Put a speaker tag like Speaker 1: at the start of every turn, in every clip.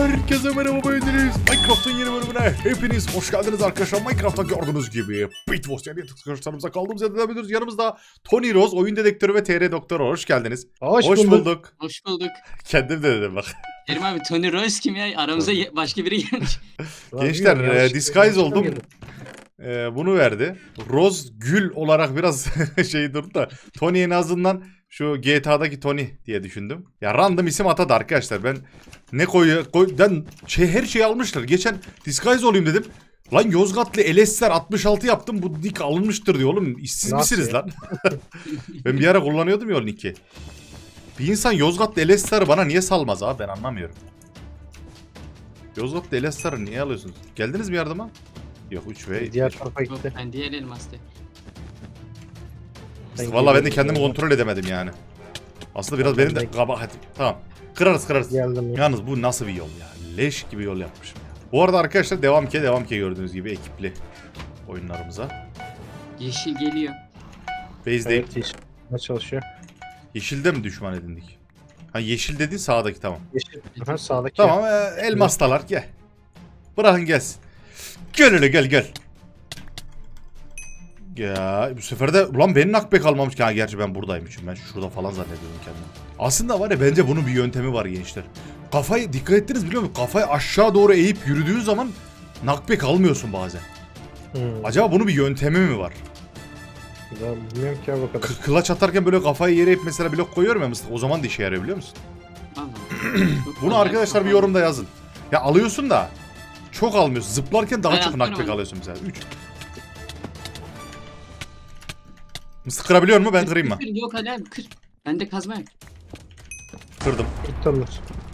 Speaker 1: Herkese merhaba beğendiniz. Minecraft'ın yeni bölümüne hepiniz hoş geldiniz arkadaşlar. Minecraft'ta gördüğünüz gibi Bitboss yani arkadaşlarımıza kaldığımız yerden devam ediyoruz. Yanımızda Tony Rose, oyun dedektörü ve TR Doktoru. Hoş geldiniz.
Speaker 2: Hoş
Speaker 1: bulduk.
Speaker 3: Hoş bulduk.
Speaker 1: Kendim de dedim bak.
Speaker 3: Kerim abi Tony Rose kim ya? Aramıza başka biri gelmiş.
Speaker 1: Gençler disguise oldum. Bunu verdi. Rose gül olarak biraz şey durdu da Tony en azından şu GTA'daki Tony diye düşündüm. Ya random isim atadı arkadaşlar. Ben ne her şeyi almışlar. Geçen disguise olayım dedim. Lan Yozgatlı LS'ler 66 yaptım. Bu nick alınmıştır diyor oğlum. İşsiz misiniz lan? Ben bir ara kullanıyordum ya o nick'i. Bir insan Yozgatlı LS'leri bana niye salmaz abi, ben anlamıyorum. Yozgatlı LS'leri niye alıyorsunuz? Geldiniz mi yardıma? Yok 3 ve...
Speaker 2: Diğer tarafa
Speaker 3: Yok,
Speaker 2: gitti.
Speaker 3: ben diğer elmastı.
Speaker 1: Vallahi ben de kendimi kontrol edemedim yani. Aslında biraz benim de kabahatim. Tamam. Kırarız.
Speaker 2: Geldim ya.
Speaker 1: Yalnız bu nasıl bir yol ya? Leş gibi yol yapmışım ya. Bu arada arkadaşlar devam ki gördüğünüz gibi ekipli oyunlarımıza.
Speaker 3: Yeşil geliyor.
Speaker 1: Base'deyim.
Speaker 2: Evet, yeşil. Ne çalışıyor?
Speaker 1: Yeşilde mi düşman edindik? Ha yeşil dediğin sağdaki, tamam.
Speaker 2: Yeşil. Aha, sağdaki.
Speaker 1: Tamam elmastalar gel. Bırakın gelsin. Gel öyle gel. Ya bu sefer de ulan benim knockback almamış ki. Ha, gerçi ben buradaymışım. Ben şurada falan zannediyordum kendimi. Aslında var ya, bence bunun bir yöntemi var gençler. Kafayı dikkat ettiniz biliyor musunuz? Kafayı aşağı doğru eğip yürüdüğün zaman knockback almıyorsun bazen. Acaba bunun bir yöntemi mi var?
Speaker 2: Ben bilmiyorum ki ya bu kadar.
Speaker 1: Kılaç atarken böyle kafayı yere eğip mesela blok koyuyorum ya mısın? O zaman da işe yarıyor biliyor musun? Bunu arkadaşlar bir yorumda yazın. Ya alıyorsun da çok almıyorsun. Zıplarken daha çok knockback alıyorsun mesela. 3. Mısır kırabiliyor mu? Ben kırayım mı?
Speaker 3: Yok hadi abi kır. Ben de kazma yap.
Speaker 1: Kırdım.
Speaker 2: Tuttanır.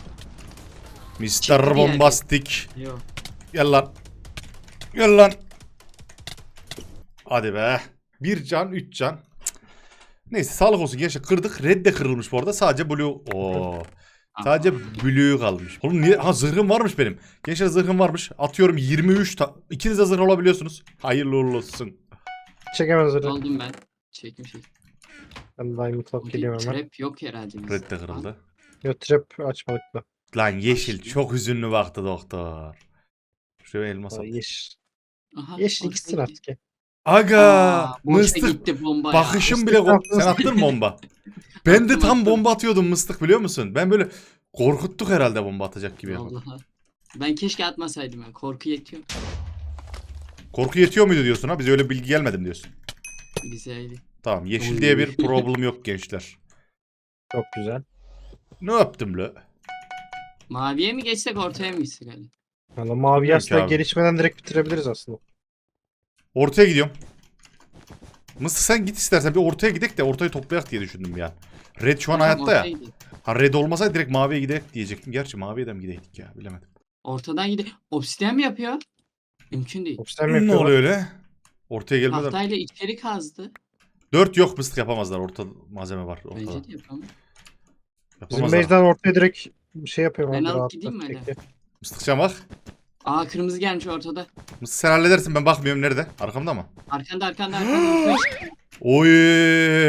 Speaker 1: Mr. Bombastik.
Speaker 3: Yok.
Speaker 1: Gel lan. Hadi be. 1 can 3 can. Neyse sağlık olsun gençler, kırdık. Red de kırılmış bu arada. Sadece blue. Oo. Sadece blue kalmış. Oğlum niye? Ha zırhım varmış benim. Gençler zırhım varmış. Atıyorum 23 İkiniz de zırh olabiliyorsunuz. Hayırlı uğurlu olsun.
Speaker 2: Çekemez öyle.
Speaker 3: Oldum ben. Çekim.
Speaker 2: Ben Diamond Lock geliyorum hemen.
Speaker 3: Trap yok herhalde.
Speaker 1: Red de kırıldı.
Speaker 2: Yo trap açmadık da.
Speaker 1: Lan yeşil çok hüzünlü baktı doktor. Şuraya elmas al.
Speaker 2: Yeşil.
Speaker 3: Aha,
Speaker 2: Yeşil
Speaker 3: orada
Speaker 2: gitsin
Speaker 3: gitti.
Speaker 2: artık ya.
Speaker 1: Aga
Speaker 3: Boşa
Speaker 1: mıstık.
Speaker 3: gitti bomba ya.
Speaker 1: Bakışım bile sen attın mı bomba? Ben de tam bomba atıyordum mıstık biliyor musun? Ben böyle korkuttuk herhalde bomba atacak gibi yapalım.
Speaker 3: Vallahi. Ben keşke atmasaydım ya. Korku yetiyor.
Speaker 1: Korku yetiyor muydu diyorsun ha? Bize öyle bilgi gelmedi mi diyorsun?
Speaker 3: Bize öyle.
Speaker 1: Tamam yeşil diye bir problem yok gençler.
Speaker 2: Çok güzel.
Speaker 1: Ne yaptım la?
Speaker 3: Maviye mi geçsek ortaya mı gitsek hadi?
Speaker 2: Valla mavi
Speaker 1: Bilmiyorum ki
Speaker 2: aslında
Speaker 1: abi.
Speaker 2: gelişmeden direkt bitirebiliriz aslında.
Speaker 1: Ortaya gidiyorum. Mısır sen git istersen, bir ortaya gidek de ortayı toplayak diye düşündüm ya. Red şu an
Speaker 3: Tamam,
Speaker 1: hayatta ya.
Speaker 3: ortaya gidelim.
Speaker 1: Ha red olmasaydı direkt maviye gidek diyecektim. Gerçi maviye de mi gideydik ya, bilemedim.
Speaker 3: Ortadan gidelim. Obsidian mi yapıyor? Mümkün değil.
Speaker 2: Obsidian mi
Speaker 1: Ne
Speaker 2: yapıyorlar?
Speaker 1: oluyor öyle? Ortaya gelmeden.
Speaker 3: Tahtayla içeri kazdı.
Speaker 1: 4 yok mıstık yapamazlar. Orta malzeme var. Ortada.
Speaker 3: Bence de yapalım.
Speaker 2: Bizim
Speaker 1: Yapamazlar.
Speaker 2: base'den ortaya direkt şey yapıyorum.
Speaker 3: Ben
Speaker 2: abi,
Speaker 3: alıp
Speaker 2: rahat
Speaker 3: gideyim mi
Speaker 2: rahat
Speaker 3: öyle?
Speaker 2: tekli.
Speaker 1: Mıstıkcan bak.
Speaker 3: Aa kırmızı gelmiş ortada.
Speaker 1: Mıstık sen halledersin, ben bakmıyorum nerede. Arkamda mı?
Speaker 3: Arkanda.
Speaker 1: Oy.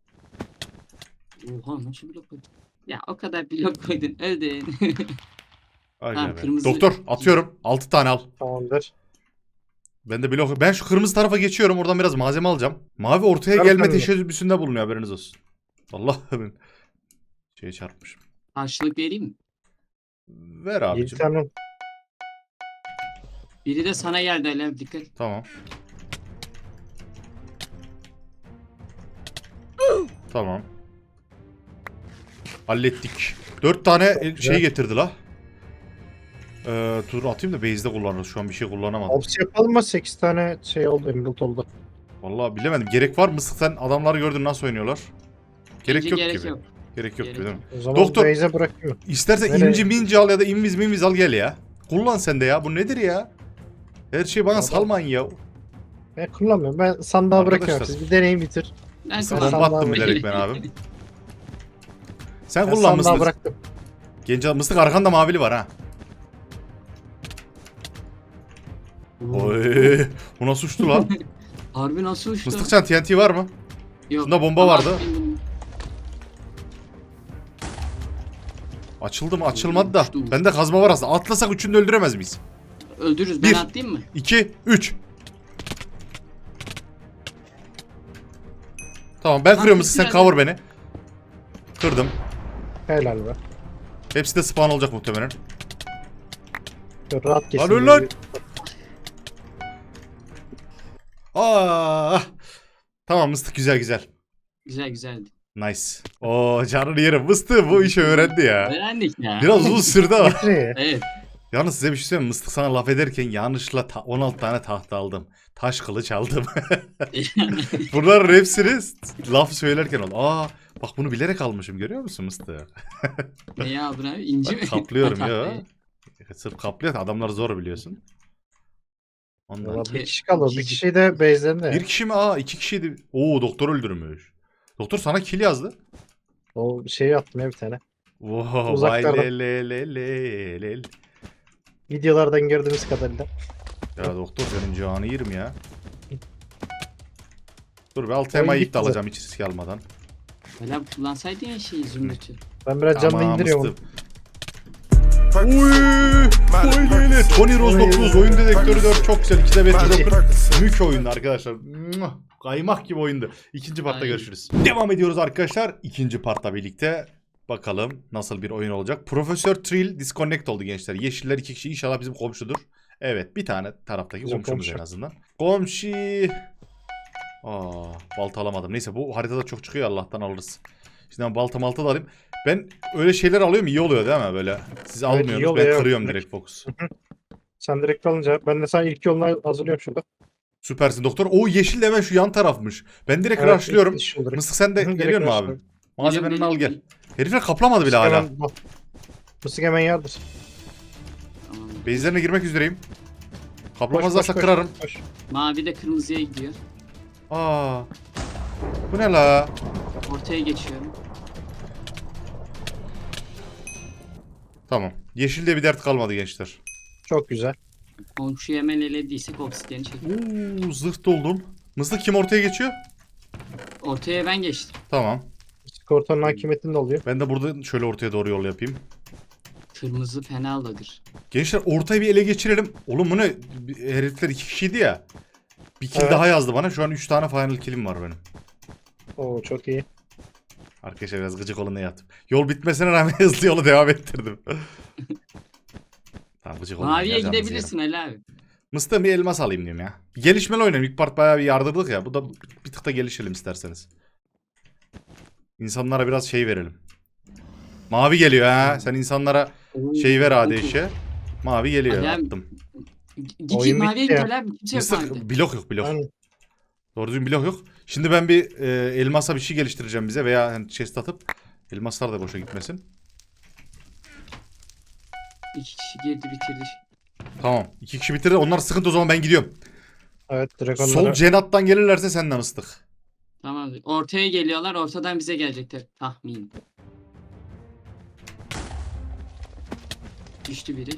Speaker 3: Oha nasıl blok koydun? Ya o kadar blok koydun öldün.
Speaker 1: Ay
Speaker 3: Tamam,
Speaker 1: be.
Speaker 3: kırmızı-
Speaker 1: Doktor atıyorum. 6 tane al.
Speaker 2: Tamamdır.
Speaker 1: Ben de blok. Ben şu kırmızı tarafa geçiyorum. Oradan biraz malzeme alacağım. Mavi ortaya
Speaker 2: Ver
Speaker 1: gelme
Speaker 2: kendini.
Speaker 1: teşebbüsünde bulunuyor, haberiniz olsun. Allah ben şeye çarpmışım.
Speaker 3: Karşılık vereyim mi?
Speaker 1: Ver
Speaker 2: 7
Speaker 1: abicim.
Speaker 2: tane.
Speaker 3: Biri de sana geldi Alev dikkat.
Speaker 1: Tamam. Tamam. Hallettik. 4 tane şey
Speaker 2: güzel.
Speaker 1: getirdi la. Dur atayım da base'de kullanırız. Şu an bir şey kullanamadım.
Speaker 2: Ops yapalım mı? 8 tane şey oldu. Emerald oldu.
Speaker 1: Vallahi bilemedim. Gerek var mı? Sen adamları gördün nasıl oynuyorlar? Gerek
Speaker 3: Bence
Speaker 1: yok
Speaker 3: gerek
Speaker 1: gibi.
Speaker 3: yok.
Speaker 1: Gerek yok
Speaker 3: Gerek
Speaker 1: gibi değil mi?
Speaker 2: O zaman
Speaker 1: Doktor.
Speaker 2: base'e bırakayım.
Speaker 1: İstersen
Speaker 2: Nereye?
Speaker 1: inci minci al ya da inviz al gel ya. Kullan sen de ya. Bu nedir ya? Her şeyi bana
Speaker 2: Adam-
Speaker 1: salmayın ya.
Speaker 2: Ben kullanmıyorum. Ben sandığa bırakıyorum.
Speaker 1: Arkadaşlar.
Speaker 2: Siz bir deneyin bitir.
Speaker 3: Ben
Speaker 1: Sen
Speaker 2: kullan.
Speaker 1: bomba attın
Speaker 2: Sandığa
Speaker 1: bilerek ben abim. Sen
Speaker 2: Ben
Speaker 1: kullan
Speaker 2: sandığa
Speaker 1: mıstık.
Speaker 2: bıraktım.
Speaker 1: Genç mıstık arkanda mavili var ha. Oy, bu nasıl uçtu lan?
Speaker 3: Harbi nasıl uçtu?
Speaker 1: Mıstıkcan TNT var mı?
Speaker 3: Yok.
Speaker 1: Şunda bomba
Speaker 3: Ama
Speaker 1: vardı. Açıldı mı? Açılmadı da.
Speaker 3: Uçtu.
Speaker 1: Bende kazma var aslında. Atlasak üçünü de öldüremez miyiz?
Speaker 3: Öldürürüz. Ben
Speaker 1: Bir.
Speaker 3: atlayayım mı?
Speaker 1: 2, 3. Tamam ben kırıyorum
Speaker 3: birisi
Speaker 1: sen
Speaker 3: nerede?
Speaker 1: cover beni. Kırdım.
Speaker 2: Helal be.
Speaker 1: Hepsi de spawn olacak muhtemelen.
Speaker 2: Şöyle rahat geçsin.
Speaker 1: Lan lan. Aa. Tamam mıstık güzel güzel.
Speaker 3: Güzel güzeldi.
Speaker 1: Nice. Oo canını yerim. Mıstık bu işi öğrendi ya.
Speaker 3: Öğrendik ya.
Speaker 1: Biraz uzun sürdü ama.
Speaker 2: Getir.
Speaker 3: Evet.
Speaker 1: Yalnız size bir şey söyleyeyim mi? Mıstık sana laf ederken yanlışla 16 tane tahta aldım. Taş kılıç aldım. Bunların hepsini laf söylerken oldu. Aa bak bunu bilerek almışım görüyor musun Mıstık?
Speaker 3: Ne aldın abi? İnci mi?
Speaker 1: Bak, kaplıyorum
Speaker 3: Ha,
Speaker 1: ya.
Speaker 3: tahtayı.
Speaker 1: Sırf kaplıyor. Adamlar zor biliyorsun. Ondan.
Speaker 2: Valla bir kişi kaldı. Bir kişi de base'lerinde.
Speaker 1: Bir kişi mi? Aa iki kişiydi. Oo doktor öldürmüş. Doktor sana kill yazdı.
Speaker 2: O şeyi attım ya bir tane.
Speaker 1: Wow, vay
Speaker 2: Uzaklardan.
Speaker 1: le le le le le.
Speaker 2: Videolardan gördüğümüz kadarıyla.
Speaker 1: Ya doktor senin canı yerim ya. Dur bir alt
Speaker 2: Oyun
Speaker 1: temayı
Speaker 2: bitti
Speaker 1: iptal alacağım hiç risk almadan.
Speaker 3: Öyle kullansaydın ya şeyi zümrütü.
Speaker 2: Ben biraz canlı indiriyorum.
Speaker 1: mıstık. Uy, spoiler. Tony Rose 9 oyun dedektörü 4 çok güzel. 2'de 5 Joker. Mük oyundu arkadaşlar. Muah, kaymak gibi oyundu. İkinci partta
Speaker 3: Ay.
Speaker 1: görüşürüz. Devam ediyoruz arkadaşlar. İkinci partla birlikte. Bakalım nasıl bir oyun olacak. Profesör Trill disconnect oldu gençler. Yeşiller 2 kişi inşallah bizim komşudur. Evet bir tane taraftaki
Speaker 2: Bizim
Speaker 1: komşumuz
Speaker 2: komşu.
Speaker 1: en azından. Komşu. Balta alamadım. Neyse bu haritada çok çıkıyor Allah'tan alırız. Şimdi ben balta malta da alayım. Ben öyle şeyler alıyorum iyi oluyor değil mi böyle? Siz
Speaker 2: iyi
Speaker 1: almıyorsunuz
Speaker 2: oluyor,
Speaker 1: ben
Speaker 2: evet.
Speaker 1: kırıyorum direkt fokus.
Speaker 2: Sen direkt alınca ben de sana ilk yolunu hazırlıyorum şurada.
Speaker 1: Süpersin doktor. O yeşil de hemen şu yan tarafmış. Ben direkt
Speaker 2: Evet,
Speaker 1: rushlıyorum.
Speaker 2: ilk iş olarak.
Speaker 1: Mısık sen de
Speaker 2: Hı hı, direkt
Speaker 1: geliyor mu abi?
Speaker 2: rushlıyorum.
Speaker 1: Malzemeni al gel.
Speaker 3: Geliyorum.
Speaker 1: Herifler kaplamadı bile hala.
Speaker 2: Mısık hemen yardır.
Speaker 3: Tamam.
Speaker 1: Base'lerine girmek üzereyim.
Speaker 2: Koş,
Speaker 1: Kaplamazlarsa
Speaker 2: koş,
Speaker 1: kırarım.
Speaker 2: koş.
Speaker 3: Mavi de kırmızıya gidiyor.
Speaker 1: Aa. Bu ne la?
Speaker 3: Ortaya geçiyorum.
Speaker 1: Tamam. Yeşilde bir dert kalmadı gençler.
Speaker 2: Çok güzel.
Speaker 3: Komşuyu hemen elediysek obsidiyeni çekelim.
Speaker 1: Uuu zırh doldum. Mıstık kim ortaya geçiyor?
Speaker 3: Ortaya ben geçtim.
Speaker 1: Tamam.
Speaker 2: Skortonun hakimiyetinde oluyor.
Speaker 1: Ben de burada şöyle ortaya doğru yol yapayım.
Speaker 3: Kırmızı fenalıdır.
Speaker 1: Gençler ortayı bir ele geçirelim. Oğlum bu ne? Herifler 2 kişiydi ya. Bir kill
Speaker 2: Evet.
Speaker 1: daha yazdı bana. Şu an 3 tane final kill'im var benim.
Speaker 2: Oo çok iyi.
Speaker 1: Arkadaşlar biraz gıcık olun ne yaptım. Yol bitmesine rağmen hızlı yolu devam ettirdim. Tamam gıcık olun.
Speaker 3: Maviye
Speaker 1: ya, canınızı
Speaker 3: gidebilirsin
Speaker 1: yerim.
Speaker 3: Ali abi.
Speaker 1: Mıstığa bir elmas alayım diyorum ya. Bir gelişmeli oynayalım. İlk part bayağı bir yardırdık ya. Bu da bir tık da gelişelim isterseniz. İnsanlara biraz şey verelim. Mavi geliyor ha. Sen insanlara şey ver ADŞ'e. Mavi geliyor.
Speaker 3: Ali abi,
Speaker 1: Attım.
Speaker 3: Git
Speaker 2: Oyun
Speaker 3: maviye
Speaker 2: bitti
Speaker 3: git
Speaker 2: ya.
Speaker 3: Ali abi. Kimse yok mavide.
Speaker 1: Mıstık blok yok blok.
Speaker 2: Yani
Speaker 1: Doğru düzgün blok yok. Şimdi ben bir elmasa bir şey geliştireceğim bize veya hani chest atıp elmaslar da boşa gitmesin.
Speaker 3: 2 kişi girdi bitirdi.
Speaker 1: Tamam. 2 kişi bitirdi. Onlar sıkıntı o zaman ben gidiyorum.
Speaker 2: evet direkt
Speaker 1: Sol
Speaker 2: onlara.
Speaker 1: cenattan gelirlerse senden ıslık.
Speaker 3: Tamam. Ortaya geliyorlar. Ortadan bize gelecekler. Tahmin. Düştü biri.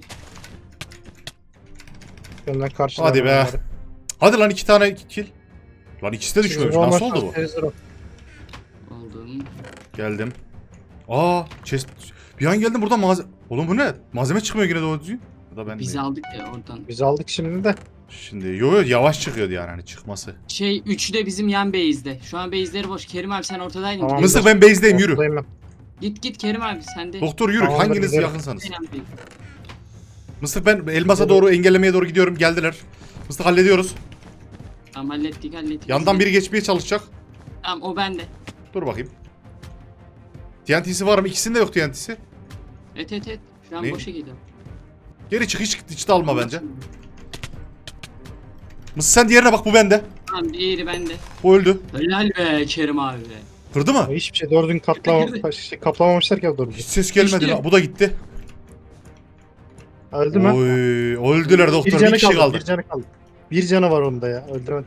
Speaker 2: Önden karşıdan
Speaker 1: Hadi be.
Speaker 2: onları.
Speaker 1: Hadi lan 2 tane kill. Lan ikisi de düşmemiş.
Speaker 2: Zero
Speaker 1: Nasıl
Speaker 2: olmaz,
Speaker 1: oldu bu?
Speaker 2: zero.
Speaker 3: Oldum.
Speaker 1: Geldim. Aa chest. Bir an geldim burada Oğlum bu ne? Malzeme çıkmıyor yine doğru düzgün. Ya da ben
Speaker 3: Biz
Speaker 1: mi?
Speaker 3: aldık ya oradan.
Speaker 2: Biz aldık şimdi de.
Speaker 1: Şimdi yo yavaş çıkıyordu yani hani çıkması.
Speaker 3: Üçü de bizim yan base'de. Şu an base'leri boş. Kerim abi sen ortadaydın.
Speaker 2: Tamam.
Speaker 3: Gidelim.
Speaker 1: Mısır ben base'deyim yürü.
Speaker 2: Ortadayım ben.
Speaker 3: Git Kerim abi sen de.
Speaker 1: Doktor yürü
Speaker 2: Tamamdır,
Speaker 1: hanginiz
Speaker 2: gidelim.
Speaker 1: yakınsanız.
Speaker 3: Yan base.
Speaker 1: Mısır ben elmasa doğru engellemeye doğru gidiyorum geldiler. Mısır hallediyoruz.
Speaker 3: Tamam hallettik.
Speaker 1: Yandan biri geçmeye çalışacak.
Speaker 3: Tamam o bende.
Speaker 1: Dur bakayım. TNT'si var mı? İkisinde yok TNT'si.
Speaker 3: Evet. Şu an
Speaker 1: Ne?
Speaker 3: boşa gidiyor.
Speaker 1: Geri çık hiç de alma bence. Mısır sen diğerine bak bu bende.
Speaker 3: Tamam diğeri bende.
Speaker 1: Bu öldü.
Speaker 3: Helal be Kerim abi be.
Speaker 1: Kırdı mı?
Speaker 2: Hiçbir şey doğru düzgün kaplamamışlar ki doğru
Speaker 1: Hiç
Speaker 2: düzgün.
Speaker 1: ses gelmedi
Speaker 3: İşte.
Speaker 1: lan. Bu da gitti.
Speaker 2: Öldü mü?
Speaker 1: Oy, öldüler doktor. Bir kişi kaldı.
Speaker 2: Bir canı kaldı. Bir canı var onda ya. Öldüremedim.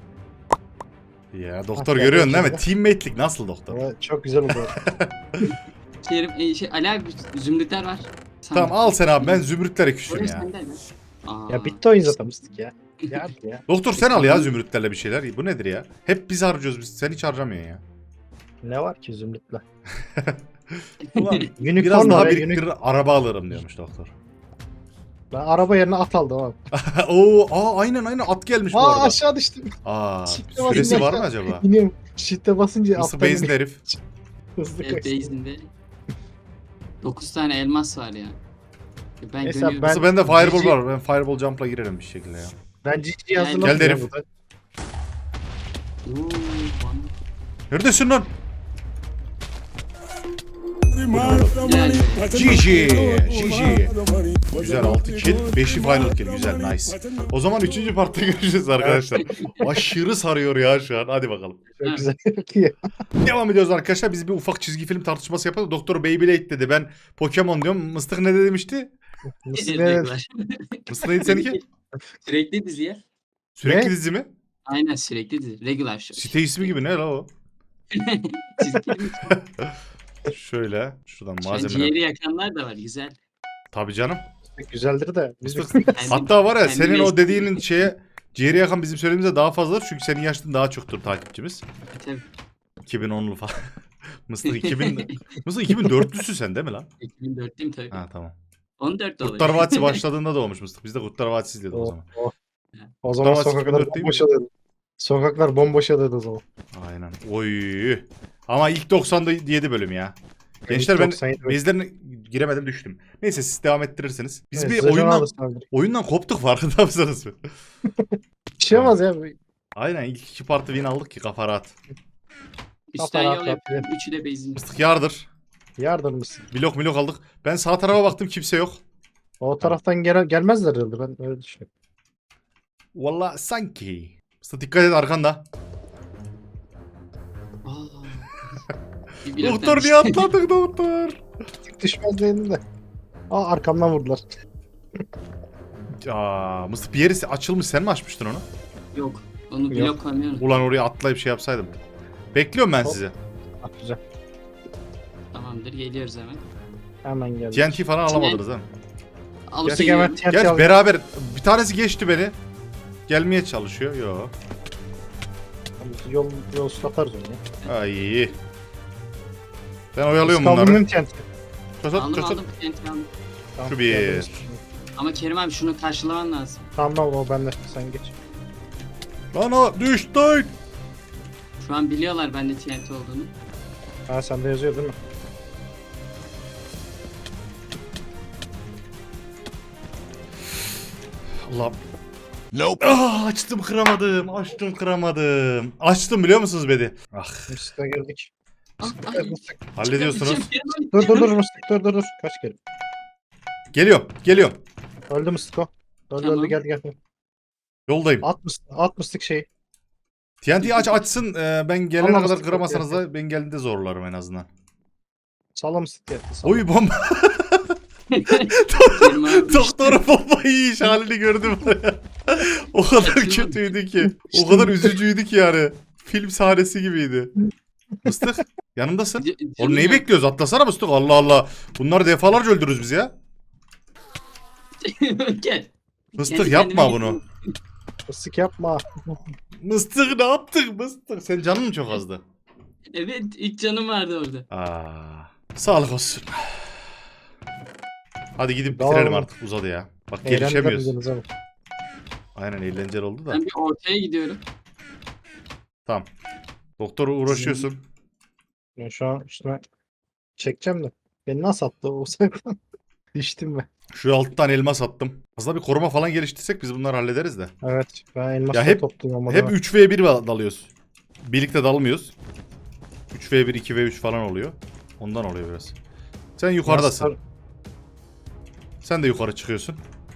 Speaker 1: Ya doktor
Speaker 2: Ah,
Speaker 1: görüyorsun değil mi?
Speaker 2: geldi
Speaker 1: Teammate'lik nasıl doktor?
Speaker 2: Ama çok güzel oldu.
Speaker 3: Kerim Ali abi zümrütler var. Sana.
Speaker 1: Tamam al sen abi ben zümrütlere küsüm
Speaker 3: Orası
Speaker 1: ya.
Speaker 3: sende mi? Aa.
Speaker 2: Ya bitti oyun zaten mıstık ya. Ya ya.
Speaker 1: Doktor sen al ya zümrütlerle bir şeyler. Bu nedir ya? Hep biz harcıyoruz biz. Sen hiç harcamıyorsun ya.
Speaker 2: Ne var ki zümrütle?
Speaker 1: Ulan
Speaker 2: Unicorn
Speaker 1: biraz daha
Speaker 2: var ya,
Speaker 1: biriktirir araba alırım diyormuş doktor.
Speaker 2: Ben araba yerine at aldım abi.
Speaker 1: Aynen at gelmiş bu
Speaker 2: Aa
Speaker 1: arada.
Speaker 2: aşağı düştüm.
Speaker 1: Süresi
Speaker 2: basınca
Speaker 1: var mı
Speaker 2: aşağı
Speaker 1: acaba?
Speaker 2: İniyorum. Shift'e basınca
Speaker 1: Mısır
Speaker 2: alttan
Speaker 1: Beyz'in herif.
Speaker 2: hızlı
Speaker 3: Evet
Speaker 2: kaçtım.
Speaker 3: base'inde. 9 tane elmas var ya. Ben
Speaker 2: Neyse,
Speaker 3: dönüyorum.
Speaker 2: ben-
Speaker 1: Mısır bende fireball
Speaker 2: Cici-
Speaker 1: var. Ben fireball jump'la girerim bir şekilde ya.
Speaker 2: Ben GG'yi
Speaker 3: Gel
Speaker 2: hazırladım.
Speaker 1: herif.
Speaker 2: ya burada.
Speaker 3: Oo, bana-
Speaker 1: Neredesin lan?
Speaker 3: Gel.
Speaker 1: GG. Güzel 6 kill. 5'i final kill. Güzel nice. O zaman 3. partta görüşürüz arkadaşlar. Aşırı sarıyor ya şu an. Hadi bakalım.
Speaker 2: Çok güzel. Çok iyi.
Speaker 1: Devam ediyoruz arkadaşlar. Biz bir ufak çizgi film tartışması yapalım. Doktor Beyblade dedi. Ben Pokemon diyorum. Mıstık ne demişti?
Speaker 2: Mısır ne?
Speaker 3: Regular.
Speaker 1: Mıstık neydi seninki?
Speaker 3: Sürekli dizi ya.
Speaker 1: Sürekli
Speaker 2: Ne?
Speaker 1: dizi mi?
Speaker 3: Aynen sürekli dizi. Regular show.
Speaker 1: Site ismi gibi ne la o?
Speaker 3: Çizgi film.
Speaker 1: Şöyle. Şuradan
Speaker 3: Şu an
Speaker 1: malzeme.
Speaker 3: ciğeri yakanlar da var güzel.
Speaker 1: Tabii canım.
Speaker 2: Güzeldir de. Biz
Speaker 3: Kendi-
Speaker 1: Hatta var ya
Speaker 3: kendi
Speaker 1: senin o
Speaker 3: mesleği-
Speaker 1: dediğinin şeye ciğeri yakan bizim söylediğimize daha fazladır. Çünkü senin yaşın daha çoktur takipçimiz.
Speaker 3: Tabii.
Speaker 1: 2010'lu falan. Mısır 2000 Mısır 2004'lüsün sen değil mi lan?
Speaker 3: 2004'lüyüm tabii.
Speaker 1: Ha tamam.
Speaker 3: 14 oluyor.
Speaker 1: Kurtlar Vadisi başladığında doğmuş Mısır. Biz de Kurtlar Vadisi izliyorduk o zaman.
Speaker 2: O zaman
Speaker 1: Kurtlar Vadisi
Speaker 2: sokaklar
Speaker 1: 2004 değil mi?
Speaker 2: bomboş oluyordu. Sokaklar bomboş oluyordu o zaman.
Speaker 1: Aynen. Oy. Ama ilk 97 bölüm ya. Gençler ben
Speaker 2: 97 bölüm.
Speaker 1: bezlerine giremedim düştüm. Neyse siz devam ettirirsiniz. Biz
Speaker 2: Evet,
Speaker 1: bir
Speaker 2: size can
Speaker 1: oyundan,
Speaker 2: alırsın abi.
Speaker 1: oyundan koptuk farkında mısınız?
Speaker 2: Bir şey olmaz ya.
Speaker 1: Aynen ilk 2 partı win aldık ki kafa rahat.
Speaker 3: Üstten
Speaker 2: Kafa
Speaker 3: yol
Speaker 2: rahat
Speaker 3: yapıyorum. Üçü de base'in.
Speaker 1: Mıstık yardır.
Speaker 2: Yardım mısın?
Speaker 1: Blok aldık. Ben sağ tarafa baktım kimse yok.
Speaker 2: O taraftan gelmezler herhalde, ben öyle düşünüyorum.
Speaker 1: Valla sanki. Mıstık dikkat et arkanda.
Speaker 3: Aa. Bir bloktan
Speaker 1: Doktor
Speaker 3: düştü.
Speaker 1: niye atladın doktor?
Speaker 2: Tık düşmez dedim de. Aa, arkamdan vurdular.
Speaker 1: Mıstık bir yeri açılmış sen mi açmıştın onu?
Speaker 3: Yok. Onu
Speaker 2: Yok.
Speaker 3: blok koymuyorum.
Speaker 1: Ulan oraya atlayıp şey yapsaydım. Bekliyorum ben
Speaker 2: Hop.
Speaker 1: sizi.
Speaker 2: Ah, güzel.
Speaker 3: Tamamdır geliyoruz hemen.
Speaker 2: Hemen geldi.
Speaker 1: TNT falan alamadınız ha.
Speaker 3: Alıp
Speaker 2: Gerçek hemen
Speaker 3: geliyorum.
Speaker 2: TNT
Speaker 1: Gerçi
Speaker 2: aldım.
Speaker 1: beraber bir tanesi geçti beni. Gelmeye çalışıyor. Yo.
Speaker 2: Yol atarız onu ya.
Speaker 1: Ay. Ben oyalıyorum
Speaker 2: Kaldırdım
Speaker 1: bunları.
Speaker 2: TNT.
Speaker 1: Çosat
Speaker 3: Aldım
Speaker 1: çosat.
Speaker 3: aldım. TNT aldım.
Speaker 2: Tamam,
Speaker 1: Şu bir.
Speaker 2: geldiniz.
Speaker 3: Ama Kerim abi şunu karşılaman lazım.
Speaker 2: Tamam o bende, sen geç.
Speaker 1: Bana düştün.
Speaker 3: Şu an biliyorlar bende TNT olduğunu.
Speaker 2: Ha, sende yazıyor değil mi?
Speaker 1: Allah. Nope. Açtım kıramadım. Açtım kıramadım. Açtım biliyor musunuz bedi? Ah.
Speaker 2: Mıstık'a girdik.
Speaker 3: Ah,
Speaker 2: Mıstık,
Speaker 3: ay.
Speaker 2: mıstık.
Speaker 1: Hallediyorsunuz.
Speaker 3: Kerim abi,
Speaker 2: Dur mıstık, dur. Kaç kere?
Speaker 1: Geliyorum.
Speaker 2: Öldü mıstık o. Öldü
Speaker 3: Tamam.
Speaker 2: geldi.
Speaker 1: Yoldayım.
Speaker 2: At mıstık şeyi.
Speaker 1: TNT'yi açsın. Ben gelene
Speaker 2: Allah
Speaker 1: kadar
Speaker 2: mıstık
Speaker 1: kıramasanız
Speaker 2: yok
Speaker 1: da ben geldiğinde zorlarım en azından.
Speaker 2: Salla mıstık geldi. Salla.
Speaker 1: Oy bomba.
Speaker 3: Kerim abi.
Speaker 1: Doktorun bombayı yiyiş halini gördüm. O kadar kötüydü ki. O kadar üzücüydü ki yani. Film sahnesi gibiydi. Mıstık yanımdasın. Oğlum neyi bekliyoruz? Atlasana Mıstık. Allah Allah. Bunları defalarca öldürürüz biz ya.
Speaker 3: Gel.
Speaker 1: Mıstık
Speaker 3: Kendi
Speaker 1: yapma
Speaker 3: kendime
Speaker 1: bunu.
Speaker 2: Mıstık yapma.
Speaker 1: Mıstık ne yaptık Mıstık? Senin canın mı çok azdı?
Speaker 3: Evet ilk canım vardı orada.
Speaker 1: Sağlık olsun. Hadi gidip
Speaker 2: Tamam.
Speaker 1: bitirelim artık uzadı ya. Bak gelişemiyoruz.
Speaker 2: Eğlendiler ama.
Speaker 1: Aynen eğlenceli oldu da.
Speaker 3: Ben bir ortaya gidiyorum.
Speaker 1: Tamam. Doktor uğraşıyorsun.
Speaker 2: Ben şu an üstüme çekeceğim de. Beni nasıl attı o sefer? Düştüm ben.
Speaker 1: Şu alttan elmas attım. Aslında bir koruma falan geliştirsek biz bunları hallederiz de.
Speaker 2: Evet, ben elmasla
Speaker 1: Ya hep-
Speaker 2: topluyorum ama.
Speaker 1: Hep
Speaker 2: da.
Speaker 1: 3v1 dalıyoruz. Birlikte dalmıyoruz. 3v1, 2v3 falan oluyor. Ondan oluyor biraz. Sen yukarıdasın.
Speaker 2: Sarı,
Speaker 1: Sen de yukarı çıkıyorsun.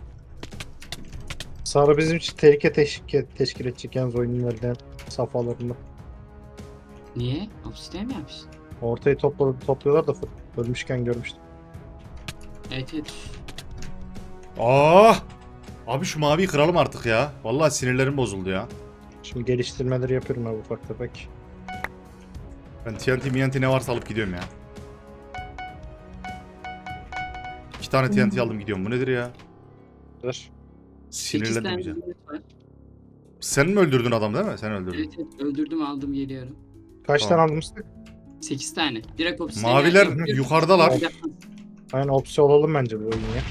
Speaker 2: sarı bizim için tehlike teşkil edecek yalnız oyunun verilen safhalarında.
Speaker 3: Niye? Obsidian mi yapmışsın?
Speaker 2: Ortayı topluyorlar da ölmüşken görmüştüm.
Speaker 3: Evet.
Speaker 1: Abi şu maviyi kıralım artık ya. Vallahi sinirlerim bozuldu ya.
Speaker 2: Şimdi geliştirmeleri yapıyorum abi ufak tefek.
Speaker 1: Ben TNT ne varsa alıp gidiyorum ya. 2 tane TNT aldım gidiyorum. Bu nedir ya?
Speaker 2: Dur.
Speaker 3: 8
Speaker 1: Sinirlendim
Speaker 3: tane
Speaker 1: iyice.
Speaker 3: zümrüt var.
Speaker 1: Sen mi öldürdün adam değil mi? Sen öldürdün.
Speaker 3: Evet öldürdüm aldım geliyorum.
Speaker 2: Kaç
Speaker 1: Tamam.
Speaker 2: tane aldın mıstık?
Speaker 3: 8 tane. Direkt obsidian.
Speaker 1: Maviler
Speaker 3: Yok, yok.
Speaker 1: yukarıdalar.
Speaker 2: Aynen opsiyon olalım bence bu oyun ya.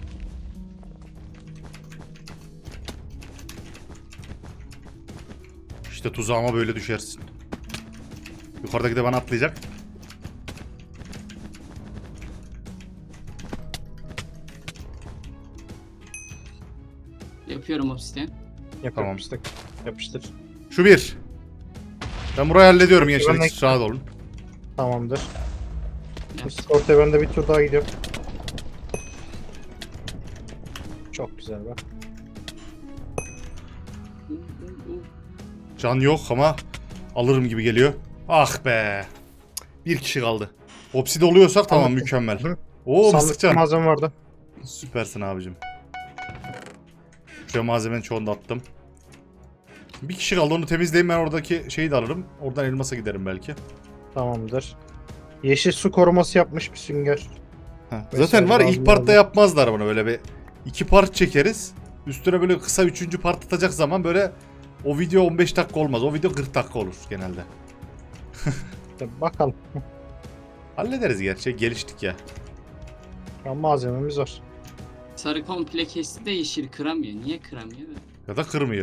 Speaker 1: İşte tuzağıma böyle düşersin. Yukarıdaki de bana atlayacak.
Speaker 3: Yapıyorum obsidian.
Speaker 2: Yap
Speaker 1: Tamam.
Speaker 2: yapıştık. Yapıştır.
Speaker 1: Şu bir. Ben burayı hallediyorum gençler.
Speaker 2: Ben de-
Speaker 1: Hiç rahat olun.
Speaker 2: Tamamdır.
Speaker 3: Yap.
Speaker 2: Ortaya ben de bir tur daha gidiyorum. Çok güzel bak.
Speaker 1: Can yok ama alırım gibi geliyor. Ah be. Bir kişi kaldı. Obside oluyorsak tamam
Speaker 2: Tamam.
Speaker 1: mükemmel.
Speaker 2: Hı.
Speaker 1: Oo
Speaker 2: Sandıkta
Speaker 1: mıstıkcan.
Speaker 2: malzeme vardı.
Speaker 1: Süpersin abicim. Şuraya malzemenin çoğunu da attım. Bir kişi kaldı, onu temizleyeyim, ben oradaki şeyi de alırım. Oradan elmasa giderim belki.
Speaker 2: Tamamdır. Yeşil su koruması yapmış bir sünger.
Speaker 1: Heh.
Speaker 2: Mesela
Speaker 1: Zaten var ya, ilk
Speaker 2: lazım
Speaker 1: partta
Speaker 2: oldu.
Speaker 1: yapmazlar bunu, böyle bir 2 part çekeriz. Üstüne böyle kısa 3. part atacak zaman böyle o video 15 dakika olmaz. O video 40 dakika olur genelde.
Speaker 2: Bakalım.
Speaker 1: Hallederiz gerçi, geliştik ya.
Speaker 2: Ya malzememiz var.
Speaker 3: Sarı komple kesti de yeşil kıramıyor. Niye kıramıyor?
Speaker 1: Ya da kırmıyor.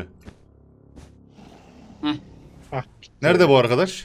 Speaker 2: Hah.
Speaker 1: Nerede bu arkadaş?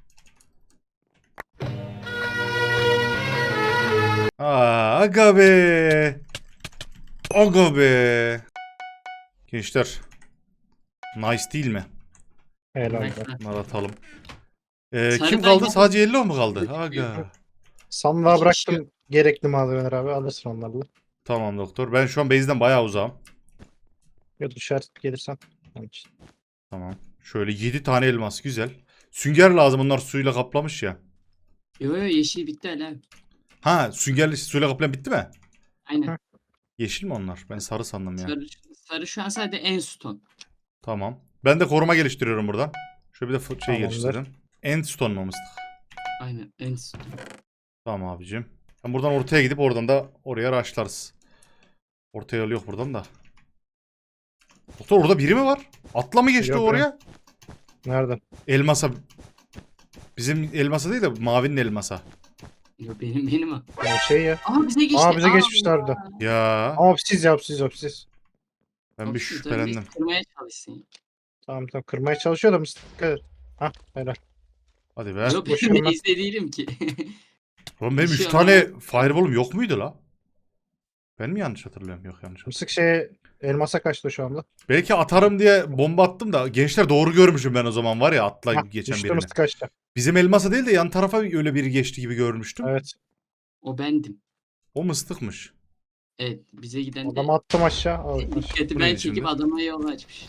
Speaker 1: Aga be. Aga be. Gençler. Nice değil mi?
Speaker 2: Helal be.
Speaker 3: Neyse.
Speaker 1: Bunları atalım.
Speaker 3: Sarı
Speaker 1: Kim
Speaker 3: ben
Speaker 1: kaldı?
Speaker 3: yok.
Speaker 1: Sadece Yellow mu kaldı? Aga.
Speaker 2: Sandığa
Speaker 3: İki kişi
Speaker 2: bıraktım gerekli malzemeler abi. Alırsın onlarla.
Speaker 1: Tamam doktor. Ben şu an base'den bayağı uzağım.
Speaker 2: Ya düşer gelirsen. Onun için.
Speaker 1: Tamam. Şöyle 7 tane elmas. Güzel. Sünger lazım. Onlar suyla kaplamış ya.
Speaker 3: Yo yo yeşil bitti hala.
Speaker 1: Ha, süngerli suyla kaplayan bitti mi?
Speaker 3: Aynen.
Speaker 1: Yeşil mi onlar? Ben sarı sandım ya.
Speaker 3: Sarı şu an sadece en stone.
Speaker 1: Tamam. Ben de koruma geliştiriyorum buradan. Şöyle bir de şey
Speaker 2: Tamamdır.
Speaker 1: geliştirelim. Endstone mu mıstık?
Speaker 3: Aynen en stone.
Speaker 1: Tamam abicim. Ben buradan ortaya gidip oradan da oraya rushlarız. Ortaya yol yok buradan da. Doktor, orada biri mi var? Atla mı geçti
Speaker 2: Yok
Speaker 1: o oraya?
Speaker 2: Nerede?
Speaker 1: Elmasa. Bizim elmasa değil de mavinin elmasa.
Speaker 3: Yo benim o.
Speaker 2: Ya şey ya.
Speaker 3: Aa bize geçti.
Speaker 2: Aa bize geçmişlerdi.
Speaker 1: Ya
Speaker 2: Ama opsiz ya opsiz opsiz.
Speaker 1: ben bir şüphelendim.
Speaker 3: Kırmaya çalışsın.
Speaker 2: Tamam tamam kırmaya çalışıyor da mısın? Dikkat et. Hah helal.
Speaker 1: Hadi be.
Speaker 3: Yok
Speaker 2: boşuna.
Speaker 3: ben izle değilim ki.
Speaker 1: Oğlum benim
Speaker 3: bir
Speaker 1: 3
Speaker 3: şey
Speaker 1: tane fireball'um yok muydu la? Ben mi yanlış hatırlıyorum? Yok, yanlış hatırlıyorum.
Speaker 2: Mısık şeye elmasa kaçtı şu anda.
Speaker 1: Belki atarım diye bomba attım da gençler, doğru görmüşüm ben o zaman, var ya, atla
Speaker 2: Hah,
Speaker 1: geçen
Speaker 2: düştü
Speaker 1: birini.
Speaker 2: mısık kaçtı.
Speaker 1: Bizim elmasa değil de yan tarafa öyle biri geçti gibi görmüştüm.
Speaker 2: Evet.
Speaker 3: O bendim.
Speaker 1: O mıstıkmış.
Speaker 3: Evet bize giden de
Speaker 2: Adamı attım aşağı. Al,
Speaker 3: dikkati
Speaker 1: Bu
Speaker 3: ben
Speaker 1: neydi
Speaker 3: çekip
Speaker 1: şimdi?
Speaker 3: adama yol açmış.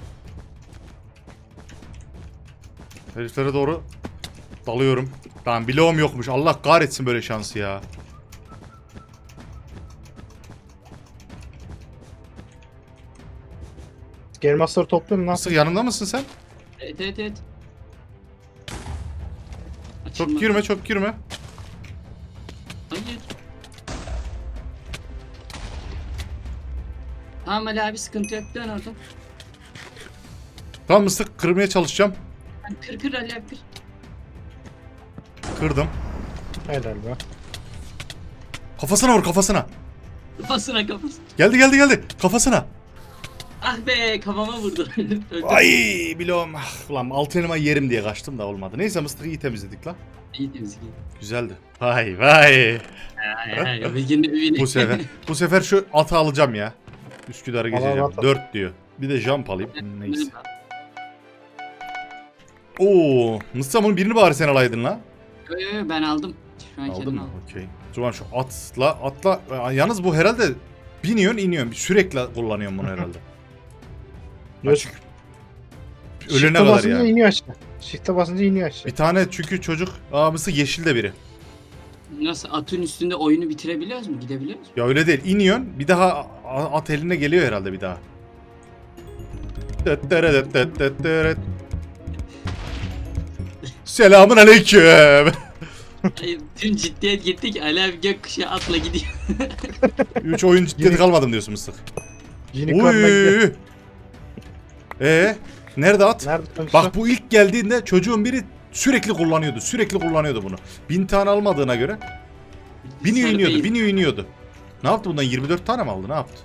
Speaker 1: Heriflere doğru dalıyorum. Tamam, bloğum yokmuş. Allah kahretsin böyle şansı ya.
Speaker 2: Elmasları topluyorum lan.
Speaker 1: Mıstık, yanımda mısın sen?
Speaker 3: Evet evet evet.
Speaker 1: Çok
Speaker 3: Açılmadı.
Speaker 1: girme, çok girme.
Speaker 3: Hayır. Tamam Ali abi sıkıntı yok dön orada.
Speaker 1: Tamam mıstık, kırmaya çalışacağım.
Speaker 3: Yani kır Ali abi kır.
Speaker 1: Kırdım.
Speaker 2: Helal be.
Speaker 1: Kafasına vur, kafasına.
Speaker 3: Kafasına.
Speaker 1: Geldi. Kafasına.
Speaker 3: Ah be kafama vurdu. Öldüm.
Speaker 1: Ay bloğum. Ah, ulan altın elma yerim diye kaçtım da olmadı. Neyse mıstık, iyi temizledik lan.
Speaker 3: İyi temizlik.
Speaker 1: Güzeldi. Vay. Bu sefer şu atı alacağım ya. Üsküdar'ı
Speaker 2: Al,
Speaker 1: geçeceğim.
Speaker 2: al, al.
Speaker 1: 4 diyor. Bir de jump alayım. Neyse. Oo, Mıstık, bunun birini bari sen alaydın la.
Speaker 3: Yo, ben aldım. Şu an
Speaker 1: Aldın
Speaker 3: kendim
Speaker 1: mı?
Speaker 3: aldım.
Speaker 1: Okey. O zaman şu atla. Yalnız bu herhalde biniyorsun iniyorsun. Sürekli kullanıyorum bunu herhalde. Açık. Ölene
Speaker 2: Shift'e
Speaker 1: kadar
Speaker 2: basınca
Speaker 1: yani.
Speaker 2: iniyor aşağı. Shift'e basınca iniyor aşağı.
Speaker 1: Bir tane çünkü çocuk, Mıstık yeşil de biri.
Speaker 3: Nasıl atın üstünde oyunu bitirebiliyoruz mu? Gidebiliyoruz mu?
Speaker 1: Ya öyle değil. İniyorsun. Bir daha at eline geliyor herhalde bir daha. Selamun aleyküm.
Speaker 3: Hayır, tüm ciddiyet gitti ki Ali abi gökkuşağı atla gidiyor.
Speaker 1: 3 oyun ciddiyeti kalmadım diyorsun Mıstık.
Speaker 2: Unicorn'a gidiyor.
Speaker 1: Nerede at?
Speaker 2: Nerede konuşuyor?
Speaker 1: Bak bu ilk geldiğinde çocuğun biri Sürekli kullanıyordu bunu. 1000 tane almadığına göre biniyor iniyordu. Ne yaptı bundan 24 tane mi aldı? Ne yaptı?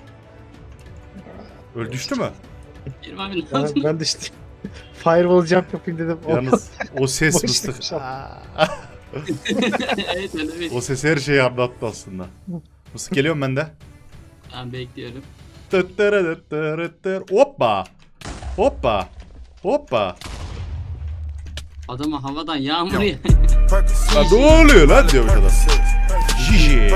Speaker 1: Öl düştü mü?
Speaker 3: Kerim abi ne yaptın?
Speaker 2: Ben de işte firewall jump yapayım dedim.
Speaker 1: Yalnız o ses
Speaker 2: Boş
Speaker 1: mıstık.
Speaker 2: demiş abi.
Speaker 3: Evet evet.
Speaker 1: O ses her şeyi anlattı aslında. Mıstık geliyorum ben de.
Speaker 3: Ben bekliyorum.
Speaker 1: Hoppa. Hoppa. Hoppa.
Speaker 3: Adama havadan yağmur ya.
Speaker 1: Lan ne oluyor lan diyormuş adam. Jiji.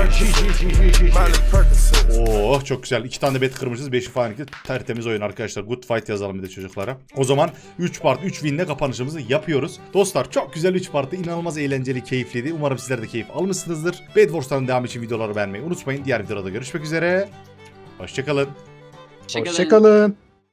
Speaker 1: Oh çok güzel. 2 tane de bet kırmışız. 5'i falan iki. Tertemiz oyun arkadaşlar. Good fight yazalım bir de çocuklara. O zaman 3 part 3 win'le kapanışımızı yapıyoruz. Dostlar çok güzel 3 partı. İnanılmaz eğlenceli, keyifliydi. Umarım sizler de keyif almışsınızdır. Bed Wars'tan devam için videoları beğenmeyi unutmayın. Diğer videoda görüşmek üzere. Hoşçakalın.
Speaker 3: Hoşçakalın.
Speaker 2: Hoşçakalın.